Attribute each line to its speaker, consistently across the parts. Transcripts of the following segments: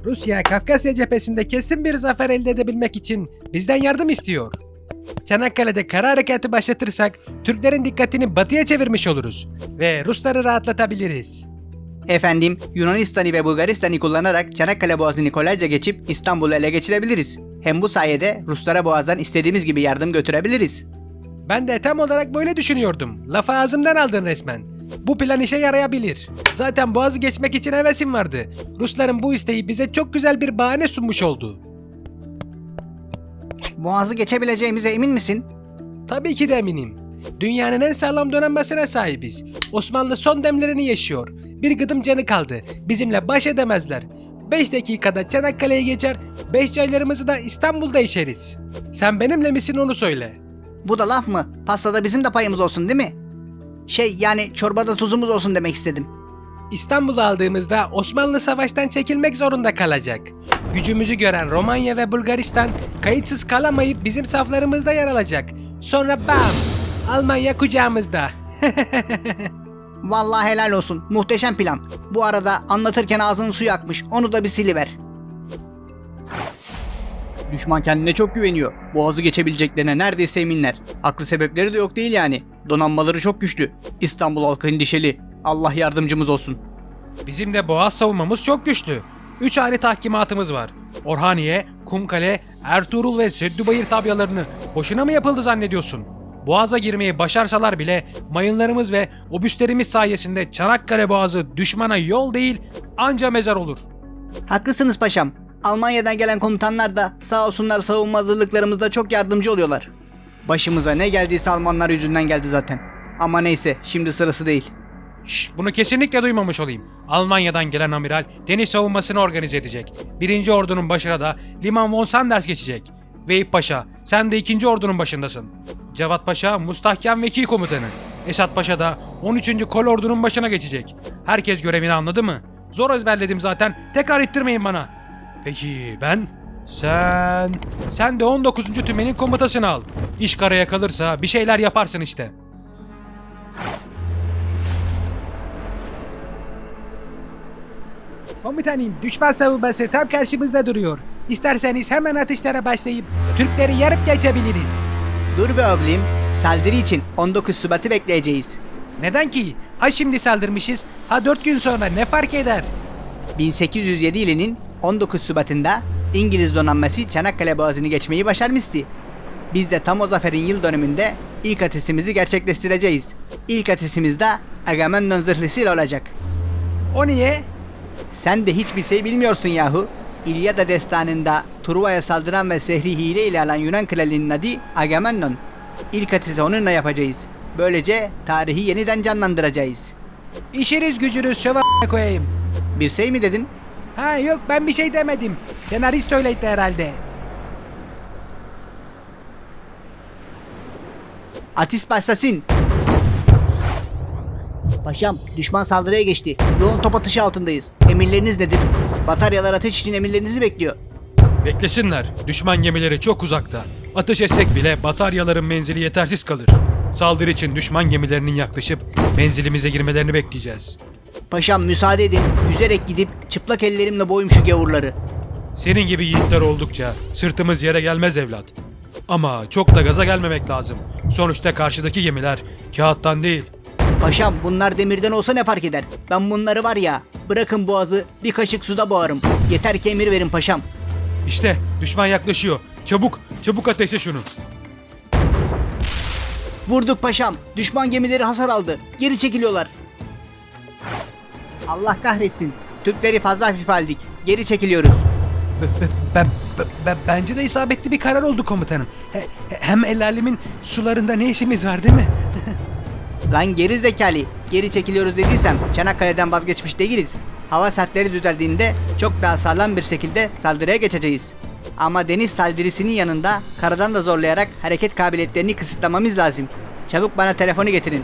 Speaker 1: Rusya, Kafkasya cephesinde kesin bir zafer elde edebilmek için bizden yardım istiyor. Çanakkale'de kara harekatı başlatırsak Türklerin dikkatini batıya çevirmiş oluruz ve Rusları rahatlatabiliriz.
Speaker 2: Efendim, Yunanistan'ı ve Bulgaristan'ı kullanarak Çanakkale Boğazı'nı kolayca geçip İstanbul'u ele geçirebiliriz. Hem bu sayede Ruslara boğazdan istediğimiz gibi yardım götürebiliriz.
Speaker 1: Ben de tam olarak böyle düşünüyordum. Lafı ağzımdan aldın resmen. Bu plan işe yarayabilir. Zaten boğazı geçmek için hevesim vardı. Rusların bu isteği bize çok güzel bir bahane sunmuş oldu.
Speaker 2: Boğazı geçebileceğimize emin misin?
Speaker 1: Tabii ki de eminim. Dünyanın en sağlam donanmasına sahibiz. Osmanlı son demlerini yaşıyor. Bir gıdım canı kaldı. Bizimle baş edemezler. 5 dakikada Çanakkale'ye geçer, 5 çaylarımızı da İstanbul'da içeriz. Sen benimle misin onu söyle.
Speaker 2: Bu da laf mı? Pastada bizim de payımız olsun değil mi? Yani çorbada tuzumuz olsun demek istedim.
Speaker 1: İstanbul'u aldığımızda Osmanlı savaştan çekilmek zorunda kalacak. Gücümüzü gören Romanya ve Bulgaristan kayıtsız kalamayıp bizim saflarımızda yer alacak. Sonra bam! Almanya kucağımızda.
Speaker 2: Vallahi helal olsun. Muhteşem plan. Bu arada anlatırken ağzının suyu akmış. Onu da bir siliver. Düşman kendine çok güveniyor. Boğazı geçebileceklerine neredeyse eminler. Haklı sebepleri de yok değil yani. Donanmaları çok güçlü. İstanbul halkı endişeli. Allah yardımcımız olsun.
Speaker 1: Bizim de boğaz savunmamız çok güçlü. 3 ayrı tahkimatımız var. Orhaniye, Kumkale, Ertuğrul ve Süddübayır tabyalarını boşuna mı yapıldı zannediyorsun? Boğaza girmeyi başarsalar bile mayınlarımız ve obüslerimiz sayesinde Çanakkale Boğazı düşmana yol değil anca mezar olur.
Speaker 2: Haklısınız paşam. Almanya'dan gelen komutanlar da sağ olsunlar savunma hazırlıklarımızda çok yardımcı oluyorlar. Başımıza ne geldiyse Almanlar yüzünden geldi zaten. Ama neyse, şimdi sırası değil.
Speaker 1: Bunu kesinlikle duymamış olayım. Almanya'dan gelen amiral deniz savunmasını organize edecek. 1. Ordu'nun başına da Liman von Sanders geçecek. Veyip Paşa, sen de 2. Ordu'nun başındasın. Cevat Paşa, Mustahkem Vekil Komutanı. Esat Paşa da 13. Kolordu'nun başına geçecek. Herkes görevini anladı mı? Zor ezberledim zaten, tekrar ettirmeyin bana. Peki ben? Sen de 19. Tümen'in komutasını al. İş karaya kalırsa bir şeyler yaparsın işte. Komutanım, düşman savunması tam karşımızda duruyor. İsterseniz hemen atışlara başlayıp Türkleri yarıp geçebiliriz.
Speaker 2: Dur be oğlum, saldırı için 19 Şubat'ı bekleyeceğiz.
Speaker 1: Neden ki? Ha şimdi saldırmışız, ha 4 gün sonra ne fark eder?
Speaker 2: 1807 yılının 19 Şubat'ında İngiliz donanması Çanakkale Boğazı'nı geçmeyi başarmıştı. Biz de tam o zaferin yıl dönümünde ilk ateşimizi gerçekleştireceğiz. İlk ateşimiz de Agamemnon zırhlısıyla olacak.
Speaker 1: O niye?
Speaker 2: Sen de hiçbir şey bilmiyorsun yahu. İlyada destanında Truva'ya saldıran ve sehri hile ile alan Yunan kralının adı Agamemnon. İlk ateşi onunla yapacağız. Böylece tarihi yeniden canlandıracağız.
Speaker 1: İşiniz gücünüz şöva koyayım.
Speaker 2: Bir şey mi dedin?
Speaker 1: Ha yok, ben bir şey demedim. Senarist öyleydi herhalde.
Speaker 2: Ateş başlasın. Paşam, düşman saldırıya geçti. Yoğun top atışı altındayız. Emirleriniz nedir? Bataryalar ateş için emirlerinizi bekliyor.
Speaker 1: Beklesinler. Düşman gemileri çok uzakta. Ateş etsek bile bataryaların menzili yetersiz kalır. Saldırı için düşman gemilerinin yaklaşıp menzilimize girmelerini bekleyeceğiz.
Speaker 2: Paşam müsaade edin. Yüzerek gidip çıplak ellerimle boyum şu gavurları.
Speaker 1: Senin gibi yiğitler oldukça sırtımız yere gelmez evlat. Ama çok da gaza gelmemek lazım. Sonuçta karşıdaki gemiler kağıttan değil.
Speaker 2: Paşam, bunlar demirden olsa ne fark eder? Ben bunları var ya, bırakın boğazı bir kaşık suda boğarım. Yeter ki emir verin paşam.
Speaker 1: İşte düşman yaklaşıyor. Çabuk ateşle şunu.
Speaker 2: Vurduk paşam. Düşman gemileri hasar aldı. Geri çekiliyorlar. Allah kahretsin. Türkleri fazla hafif aldık. Geri çekiliyoruz.
Speaker 1: Bence de isabetli bir karar oldu komutanım. Hem el alemin sularında ne işimiz var değil mi?
Speaker 2: Lan geri zekalı. Geri çekiliyoruz dediysem Çanakkale'den vazgeçmiş değiliz. Hava saatleri düzeldiğinde çok daha sağlam bir şekilde saldırıya geçeceğiz. Ama deniz saldırısının yanında karadan da zorlayarak hareket kabiliyetlerini kısıtlamamız lazım. Çabuk bana telefonu getirin.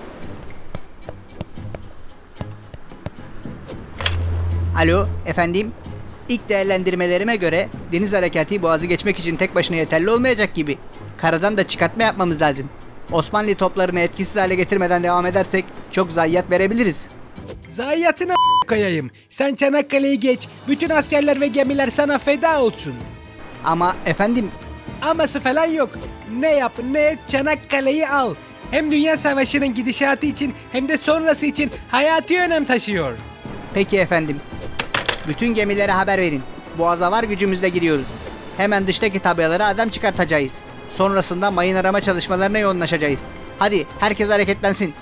Speaker 2: Alo, efendim? İlk değerlendirmelerime göre deniz harekatı boğazı geçmek için tek başına yeterli olmayacak gibi. Karadan da çıkartma yapmamız lazım. Osmanlı toplarını etkisiz hale getirmeden devam edersek çok zayiat verebiliriz.
Speaker 1: Zayiatına koyayım. Sen Çanakkale'yi geç. Bütün askerler ve gemiler sana feda olsun.
Speaker 2: Ama efendim,
Speaker 1: Aması falan yok. Ne yap ne et Çanakkale'yi al. Hem Dünya Savaşı'nın gidişatı için hem de sonrası için hayati önem taşıyor.
Speaker 2: peki efendim. Bütün gemilere haber verin. Boğaza var gücümüzle giriyoruz. Hemen dıştaki tabelalara adam çıkartacağız. Sonrasında mayın arama çalışmalarına yoğunlaşacağız. Hadi herkes hareketlensin.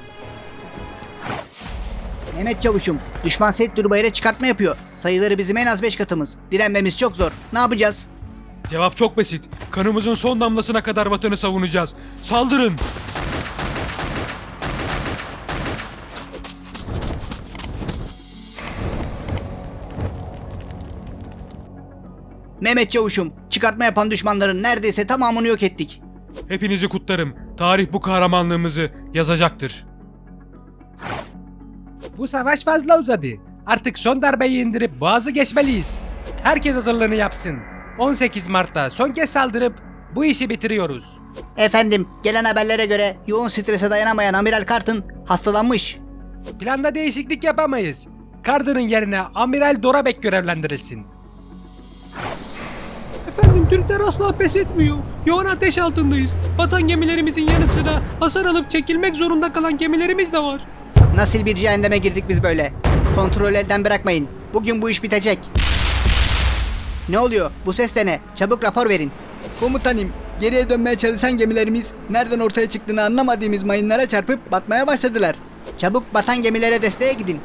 Speaker 2: Mehmet Çavuş'um, düşman Seyit Durbayır'a çıkartma yapıyor. Sayıları bizim en az 5 katımız. Direnmemiz çok zor. Ne yapacağız?
Speaker 1: Cevap çok basit. Kanımızın son damlasına kadar vatanı savunacağız. Saldırın!
Speaker 2: Mehmet Çavuş'um, çıkartma yapan düşmanların neredeyse tamamını yok ettik.
Speaker 1: Hepinizi kutlarım. Tarih bu kahramanlığımızı yazacaktır. Bu savaş fazla uzadı. Artık son darbeyi indirip boğazı geçmeliyiz. Herkes hazırlığını yapsın. 18 Mart'ta son kez saldırıp bu işi bitiriyoruz.
Speaker 2: Efendim, gelen haberlere göre yoğun strese dayanamayan Amiral Carton hastalanmış.
Speaker 1: Planda değişiklik yapamayız. Carter'ın yerine Amiral Dorabek görevlendirilsin. Efendim, Türkler asla pes etmiyor. Yoğun ateş altındayız. Vatan gemilerimizin yanı sıra hasar alıp çekilmek zorunda kalan gemilerimiz de var.
Speaker 2: Nasıl bir cehenneme girdik biz böyle? Kontrol elden bırakmayın. Bugün bu iş bitecek. Ne oluyor? Bu ses de ne? Çabuk rapor verin. Komutanım, geriye dönmeye çalışan gemilerimiz nereden ortaya çıktığını anlamadığımız mayınlara çarpıp batmaya başladılar. Çabuk batan gemilere desteğe gidin.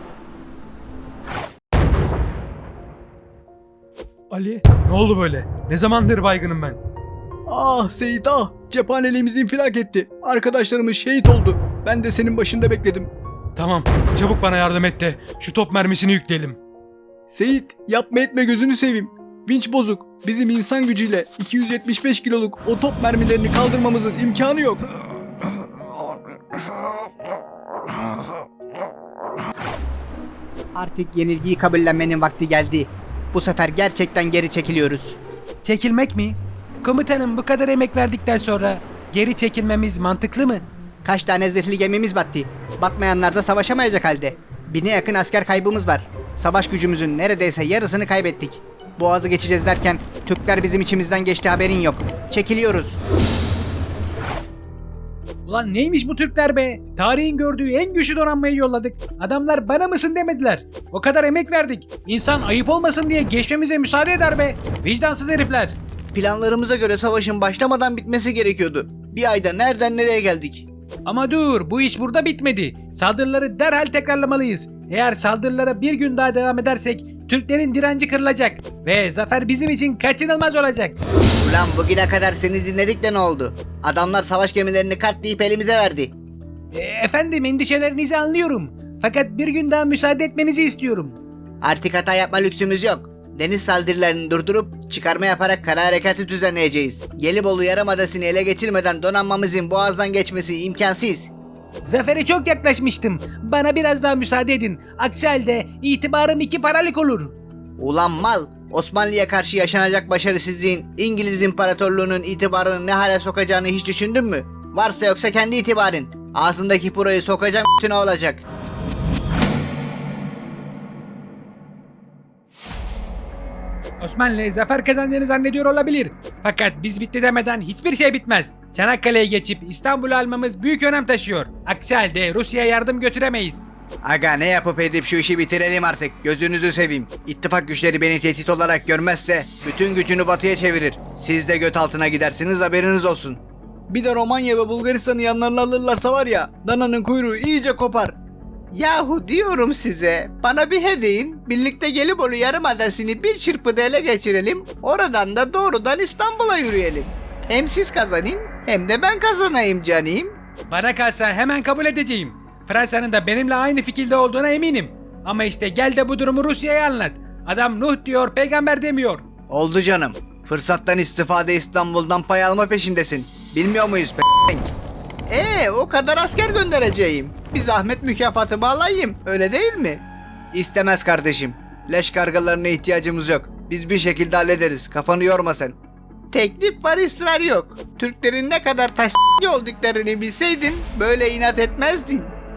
Speaker 1: Ali, ne oldu böyle? Ne zamandır baygınım ben?
Speaker 2: Ah Seyit ah! Cephaneliğimiz infilak etti. Arkadaşlarımız şehit oldu. Ben de senin başında bekledim.
Speaker 1: Tamam, çabuk bana yardım et de şu top mermisini yükleyelim.
Speaker 2: Seyit, yapma etme gözünü seveyim. Vinç bozuk. Bizim insan gücüyle 275 kiloluk o top mermilerini kaldırmamızın imkanı yok. Artık yenilgiyi kabullenmenin vakti geldi. Bu sefer gerçekten geri çekiliyoruz.
Speaker 1: Çekilmek mi? Komutanım, bu kadar emek verdikten sonra geri çekilmemiz mantıklı mı?
Speaker 2: Kaç tane zırhlı gemimiz battı. Batmayanlar da savaşamayacak halde. 1000'e yakın asker kaybımız var. Savaş gücümüzün neredeyse yarısını kaybettik. Boğazı geçeceğiz derken Türkler bizim içimizden geçti, haberin yok. Çekiliyoruz.
Speaker 1: Ulan neymiş bu Türkler be? Tarihin gördüğü en güçlü donanmayı yolladık. Adamlar bana mısın demediler. O kadar emek verdik. İnsan ayıp olmasın diye geçmemize müsaade eder be. Vicdansız herifler.
Speaker 2: Planlarımıza göre savaşın başlamadan bitmesi gerekiyordu. Bir ayda nereden nereye geldik?
Speaker 1: Ama dur, bu iş burada bitmedi. Saldırıları derhal tekrarlamalıyız. Eğer saldırılara bir gün daha devam edersek Türklerin direnci kırılacak ve zafer bizim için kaçınılmaz olacak.
Speaker 2: Ulan bugüne kadar seni dinledik de ne oldu? Adamlar savaş gemilerini katlayıp elimize verdi.
Speaker 1: Efendim, endişelerinizi anlıyorum. Fakat bir gün daha müsaade etmenizi istiyorum.
Speaker 2: Artık hata yapma lüksümüz yok. Deniz saldırılarını durdurup çıkarma yaparak kara harekatı düzenleyeceğiz. Gelibolu Yarımadası'nı ele geçirmeden donanmamızın boğazdan geçmesi imkansız.
Speaker 1: Zafere çok yaklaşmıştım. Bana biraz daha müsaade edin. Aksi halde itibarım 2 paralık olur.
Speaker 2: Ulan mal! Osmanlı'ya karşı yaşanacak başarısızlığın İngiliz İmparatorluğu'nun itibarını ne hale sokacağını hiç düşündün mü? Varsa yoksa kendi itibarın. Ağzındaki puroyu sokacağım ne olacak?
Speaker 1: Osmanlı zafer kazandığını zannediyor olabilir. Fakat biz bitti demeden hiçbir şey bitmez. Çanakkale'ye geçip İstanbul'u almamız büyük önem taşıyor. Aksi halde Rusya'ya yardım götüremeyiz.
Speaker 2: Aga ne yapıp edip şu işi bitirelim artık. Gözünüzü seveyim. İttifak güçleri beni tehdit olarak görmezse bütün gücünü batıya çevirir. Siz de göt altına gidersiniz, haberiniz olsun. Bir de Romanya ve Bulgaristan'ı yanlarına alırlarsa var ya, dananın kuyruğu iyice kopar. Yahu diyorum size, bana bir hedeyin, birlikte Gelibolu Yarımadası'nı bir çırpıda ele geçirelim, oradan da doğrudan İstanbul'a yürüyelim. Hem siz kazanın hem de ben kazanayım canım.
Speaker 1: Bana kalsa hemen kabul edeceğim. Fransa'nın da benimle aynı fikirde olduğuna eminim. Ama işte gel de bu durumu Rusya'ya anlat. Adam Nuh diyor, peygamber demiyor.
Speaker 2: Oldu canım. Fırsattan istifade İstanbul'dan pay alma peşindesin. Bilmiyor muyuz p***? O kadar asker göndereceğim. Bir zahmet mükafatımı alayım. Öyle değil mi? İstemez kardeşim. Leş kargalarına ihtiyacımız yok. Biz bir şekilde hallederiz. Kafanı yorma sen. Teklif var, ısrar yok. Türklerin ne kadar taş olduklarını bilseydin böyle inat etmezdin.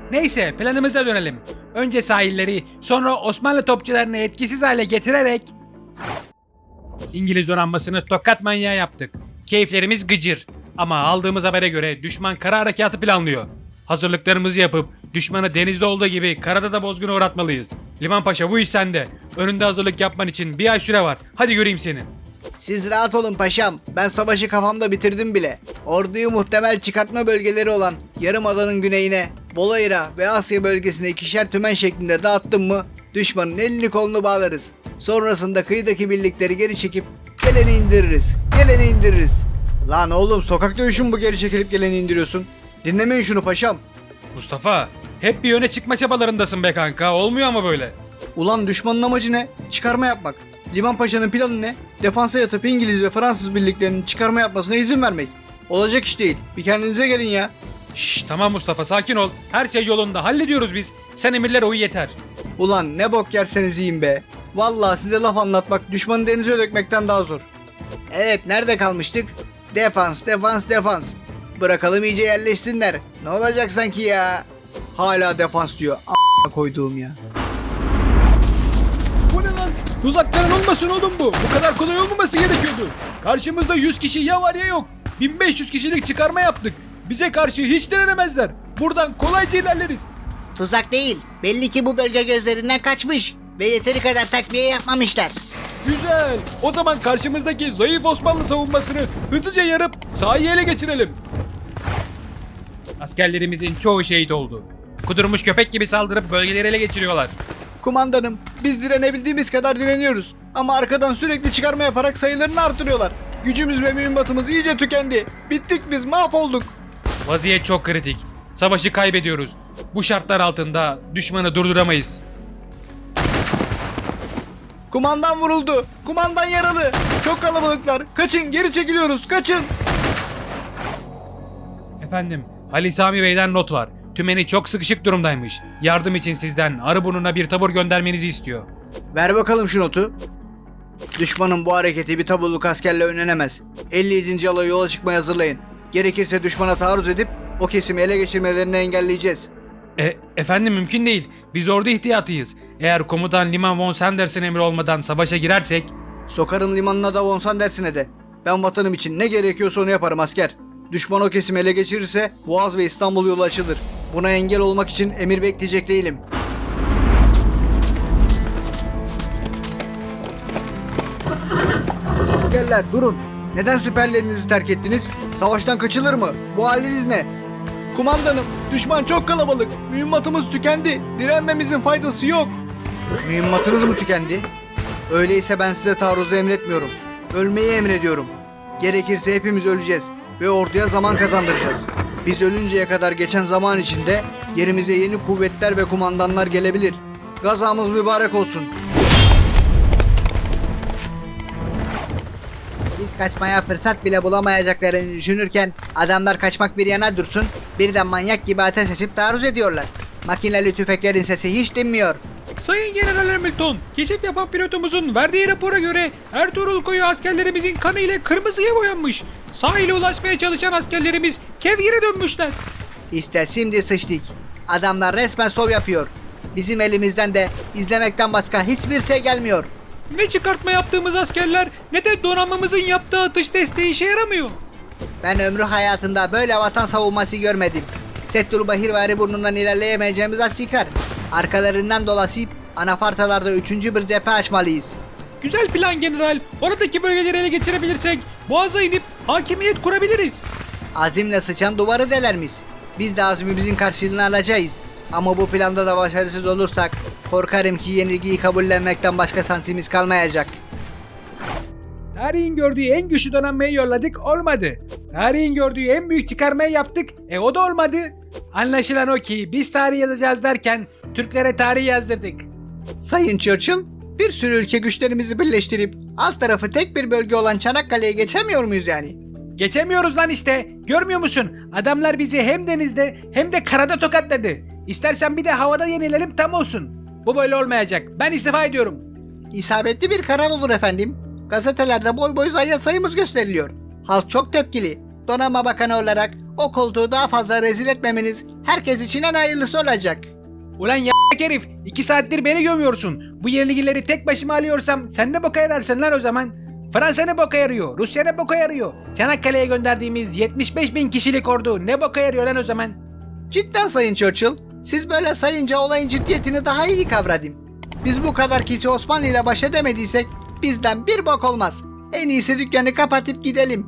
Speaker 1: Neyse planımıza dönelim. Önce sahilleri, sonra Osmanlı topçularını etkisiz hale getirerek İngiliz donanmasını tokat manyağı yaptık. Keyiflerimiz gıcır. Ama aldığımız habere göre düşman kara harekatı planlıyor. Hazırlıklarımızı yapıp düşmanı denizde olduğu gibi karada da bozguna uğratmalıyız. Liman Paşa bu iş sende. Önünde hazırlık yapman için bir ay süre var. Hadi göreyim seni.
Speaker 2: Siz rahat olun paşam. Ben savaşı kafamda bitirdim bile. Orduyu muhtemel çıkartma bölgeleri olan Yarımada'nın güneyine, Bolayra ve Asya bölgesine ikişer tümen şeklinde dağıttım mı düşmanın elini kolunu bağlarız. Sonrasında kıyıdaki birlikleri geri çekip geleni indiririz. Geleni indiririz. Lan oğlum sokak dövüşü mü bu, geri çekilip geleni indiriyorsun? Dinlemeyin şunu paşam.
Speaker 1: Mustafa, hep bir öne çıkma çabalarındasın be kanka. Olmuyor ama böyle.
Speaker 2: Ulan düşmanın amacı ne? Çıkarma yapmak. Liman Paşa'nın planı ne? Defansa yatıp İngiliz ve Fransız birliklerinin çıkarma yapmasına izin vermek. Olacak iş değil. Bir kendinize gelin ya.
Speaker 1: Şşş tamam Mustafa sakin ol. Her şey yolunda. Hallediyoruz biz. Sen emirlere uy yeter.
Speaker 2: Ulan ne bok yerseniz yiyin be. Vallahi size laf anlatmak düşmanı denize dökmekten daha zor. Evet, nerede kalmıştık? Defans, defans, defans. Bırakalım iyice yerleşsinler. Ne olacak sanki ya? Hala defans diyor. A**a koyduğum ya.
Speaker 1: Bu ne lan? Tuzakların olmasın oğlum bu. Bu kadar kolay olmaması gerekiyordu. Karşımızda 100 kişi ya var ya yok. 1500 kişilik çıkarma yaptık. Bize karşı hiç direnemezler. Buradan kolayca ilerleriz.
Speaker 2: Tuzak değil. Belli ki bu bölge gözlerinden kaçmış. Ve yeteri kadar takviye yapmamışlar.
Speaker 1: Güzel. O zaman karşımızdaki zayıf Osmanlı savunmasını hızlıca yarıp sahayı ele geçirelim. Askerlerimizin çoğu şehit oldu. Kudurmuş köpek gibi saldırıp bölgeleri ele geçiriyorlar.
Speaker 2: Kumandanım, biz direnebildiğimiz kadar direniyoruz. Ama arkadan sürekli çıkarma yaparak sayılarını artırıyorlar. Gücümüz ve mühimmatımız iyice tükendi. Bittik biz, mahvolduk.
Speaker 1: Vaziyet çok kritik. Savaşı kaybediyoruz. Bu şartlar altında düşmanı durduramayız.
Speaker 2: Kumandan vuruldu. Kumandan yaralı. Çok kalabalıklar. Kaçın, geri çekiliyoruz. Kaçın.
Speaker 1: Efendim, Ali Sami Bey'den not var. Tümeni çok sıkışık durumdaymış. Yardım için sizden Arıburnu'na bir tabur göndermenizi istiyor.
Speaker 2: Ver bakalım şu notu. Düşmanın bu hareketi bir tabulluk askerle önlenemez. 57. alaya yola çıkmaya hazırlayın. Gerekirse düşmana taarruz edip o kesimi ele geçirmelerini engelleyeceğiz.
Speaker 1: Efendim mümkün değil. Biz orada ihtiyatıyız. Eğer komutan Liman von Sanders'in emri olmadan savaşa girersek...
Speaker 2: Sokarım limanına da von Sanders'ine de. Ben vatanım için ne gerekiyorsa onu yaparım asker. Düşman o kesimi ele geçirirse Boğaz ve İstanbul yolu açılır. Buna engel olmak için emir bekleyecek değilim. Askerler durun. Neden siperlerinizi terk ettiniz? Savaştan kaçılır mı? Bu haliniz ne? Kumandanım, düşman çok kalabalık. Mühimmatımız tükendi. Direnmemizin faydası yok. Mühimmatınız mı tükendi? Öyleyse ben size taarruzu emretmiyorum. Ölmeyi emrediyorum. Gerekirse hepimiz öleceğiz ve orduya zaman kazandıracağız. Biz ölünceye kadar geçen zaman içinde yerimize yeni kuvvetler ve kumandanlar gelebilir. Gazamız mübarek olsun. Biz kaçmaya fırsat bile bulamayacaklarını düşünürken adamlar kaçmak bir yana dursun, birden manyak gibi ateş açıp taarruz ediyorlar. Makineli tüfeklerin sesi hiç dinmiyor.
Speaker 1: Sayın General Hamilton, keşif yapan pilotumuzun verdiği rapora göre Ertuğrul Koyu askerlerimizin kanı ile kırmızıya boyanmış. Sahile ulaşmaya çalışan askerlerimiz kevgire dönmüşler.
Speaker 2: İşte şimdi sıçtık. Adamlar resmen şov yapıyor. Bizim elimizden de izlemekten başka hiçbir şey gelmiyor.
Speaker 1: Ne çıkartma yaptığımız askerler ne de donanmamızın yaptığı atış desteği işe yaramıyor.
Speaker 2: Ben ömrü hayatında böyle vatan savunması görmedim. Settul-Bahir ve Arıburnu'ndan ilerleyemeyeceğimiz asikar. Arkalarından dolaşıp anafartalarda 3. bir cephe açmalıyız.
Speaker 1: Güzel plan general. Oradaki bölgeleri ele geçirebilirsek Boğaz'a inip hakimiyet kurabiliriz.
Speaker 2: Azimle sıçan duvarı delermiş. Biz de azmimizin karşılığını alacağız. Ama bu planda da başarısız olursak korkarım ki yenilgiyi kabullenmekten başka şansımız kalmayacak.
Speaker 1: Tarihin gördüğü en güçlü donanmayı yolladık, olmadı. Tarihin gördüğü en büyük çıkarmayı yaptık, o da olmadı. Anlaşılan o ki biz tarih yazacağız derken Türklere tarih yazdırdık.
Speaker 2: Sayın Churchill, bir sürü ülke güçlerimizi birleştirip alt tarafı tek bir bölge olan Çanakkale'ye geçemiyor muyuz yani?
Speaker 1: Geçemiyoruz lan işte. Görmüyor musun? Adamlar bizi hem denizde hem de karada tokatladı. İstersen bir de havada yenilelim tam olsun. Bu böyle olmayacak. Ben istifa ediyorum.
Speaker 2: İsabetli bir karar olur efendim. Gazetelerde boy boy zayiat sayımız gösteriliyor. Halk çok tepkili. Donanma Bakanı olarak O koltuğu daha fazla rezil etmemeniz herkes için en hayırlısı olacak.
Speaker 1: Ulan y**k herif, 2 saattir beni gömüyorsun. Bu yenilgileri tek başıma alıyorsam sen ne boka yararsın lan o zaman? Fransa ne boka yarıyor? Rusya ne boka yarıyor? Çanakkale'ye gönderdiğimiz 75.000 kişilik ordu ne boka yarıyor lan o zaman?
Speaker 2: Cidden Sayın Churchill, siz böyle sayınca olayın ciddiyetini daha iyi kavradım. Biz bu kadar kişi Osmanlı ile baş edemediysek bizden bir bok olmaz. En iyisi dükkanı kapatıp gidelim.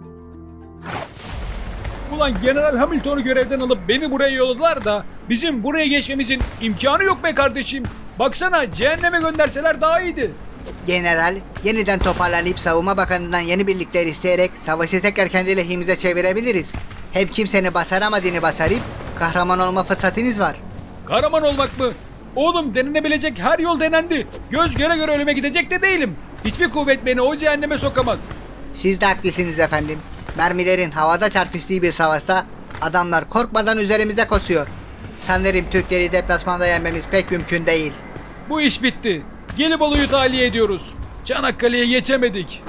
Speaker 1: Ulan General Hamilton'u görevden alıp beni buraya yolladılar da bizim buraya geçmemizin imkanı yok be kardeşim. Baksana, cehenneme gönderseler daha iyiydi.
Speaker 2: General, yeniden toparlanıp Savunma Bakanı'ndan yeni birlikler isteyerek savaşı tekrar kendi lehimize çevirebiliriz. Hem kimsenin başaramadığını başarıp kahraman olma fırsatınız var.
Speaker 1: Kahraman olmak mı? Oğlum, denenebilecek her yol denendi. Göz göre göre ölüme gidecek de değilim. Hiçbir kuvvet beni o cehenneme sokamaz.
Speaker 2: Siz de haklısınız efendim. Mermilerin havada çarpıştığı bir savaşta adamlar korkmadan üzerimize koşuyor. Sanırım Türkleri deplasmanda yenmemiz pek mümkün değil.
Speaker 1: Bu iş bitti. Gelibolu'yu tahliye ediyoruz. Çanakkale'ye geçemedik.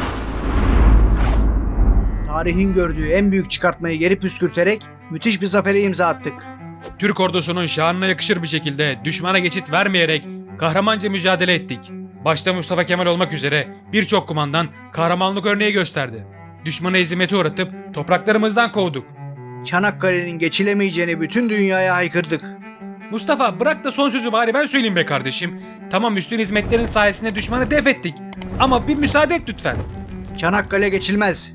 Speaker 2: Tarihin gördüğü en büyük çıkartmayı geri püskürterek müthiş bir zafere imza attık.
Speaker 1: Türk ordusunun şanına yakışır bir şekilde düşmana geçit vermeyerek kahramanca mücadele ettik. Başta Mustafa Kemal olmak üzere birçok kumandan kahramanlık örneği gösterdi. Düşmanı ezimete uğratıp topraklarımızdan kovduk.
Speaker 2: Çanakkale'nin geçilemeyeceğini bütün dünyaya haykırdık.
Speaker 1: Mustafa, bırak da son sözü bari ben söyleyeyim be kardeşim. Tamam, üstün hizmetlerin sayesinde düşmanı def ettik. Ama bir müsaade et lütfen.
Speaker 2: Çanakkale geçilmez.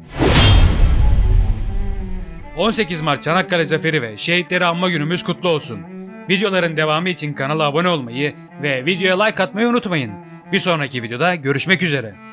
Speaker 1: 18 Mart Çanakkale Zaferi ve şehitleri anma günümüz kutlu olsun. Videoların devamı için kanala abone olmayı ve videoya like atmayı unutmayın. Bir sonraki videoda görüşmek üzere.